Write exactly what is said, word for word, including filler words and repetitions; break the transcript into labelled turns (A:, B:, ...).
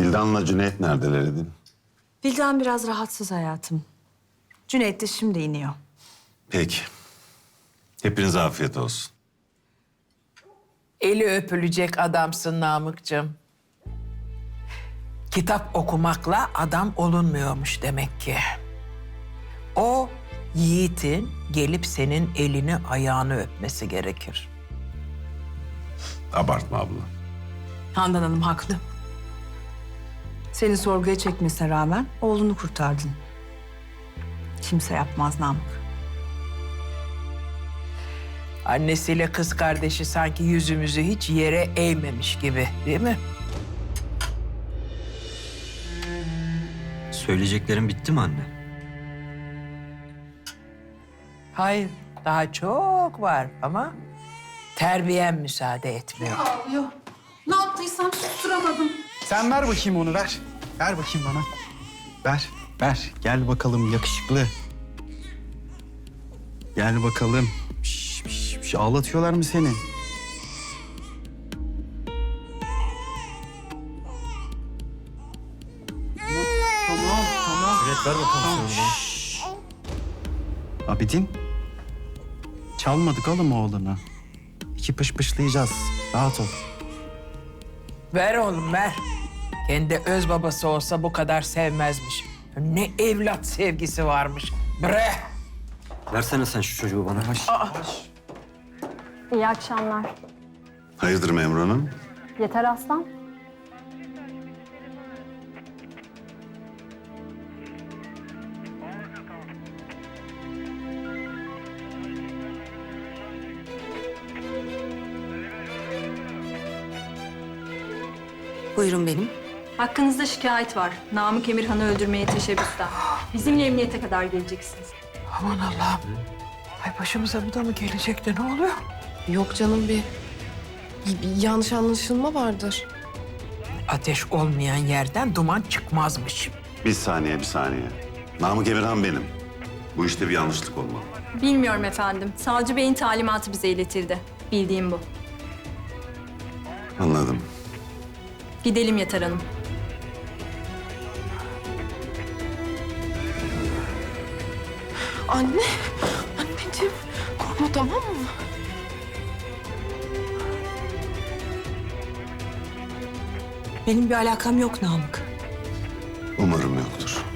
A: Vildan'la Cüneyt neredeler Edin?
B: Vildan biraz rahatsız hayatım. Cüneyt de şimdi iniyor.
A: Peki. Hepinize afiyet olsun.
C: Eli öpülecek adamsın Namık'cığım. Kitap okumakla adam olunmuyormuş demek ki. O yiğitin gelip senin elini ayağını öpmesi gerekir.
A: Abartma abla.
B: Handan Hanım haklı. Seni sorguya çekmesine rağmen oğlunu kurtardın. Kimse yapmaz Namık.
C: Annesiyle kız kardeşi sanki yüzümüzü hiç yere eğmemiş gibi, değil mi?
D: Söyleyeceklerim bitti mi anne?
C: Hayır, daha çok var ama terbiyen müsaade etmiyor.
E: Ağlıyor. Ne yaptıysam susturamadım.
F: Sen ver bakayım onu, ver. Ver bakayım bana. Ver, ver. Gel bakalım yakışıklı. Gel bakalım. Şş, şş, şş. Ağlatıyorlar mı seni? Tamam, tamam.
D: Evet ver bakalım sonra.
F: Abidin. Çalmadık oğlum oğlunu. İki pışpışlayacağız. Rahat ol.
C: Ver oğlum, ver. Kendi öz babası olsa bu kadar sevmezmiş. Ne evlat sevgisi varmış. Bre!
D: Versene sen şu çocuğu bana.
G: İyi akşamlar.
A: Hayırdır Memur Hanım?
G: Yeter Aslan.
H: Buyurun benim.
G: Hakkınızda şikayet var. Namık Emirhan'ı öldürmeye teşebbüsten. Bizimle emniyete kadar geleceksiniz.
C: Aman Allah'ım. Ay başımıza bu da mı gelecekti? Ne oluyor?
H: Yok canım bir, bir, bir yanlış anlaşılma vardır.
C: Ateş olmayan yerden duman çıkmazmış.
A: Bir saniye, bir saniye. Namık Emirhan benim. Bu işte bir yanlışlık olmalı.
G: Bilmiyorum efendim. Savcı Bey'in talimatı bize iletildi. Bildiğim bu.
A: Anladım.
G: Gidelim Yeter Hanım.
H: Anne, anneciğim korkma tamam mı?
B: Benim bir alakam yok Namık.
A: Umarım yoktur.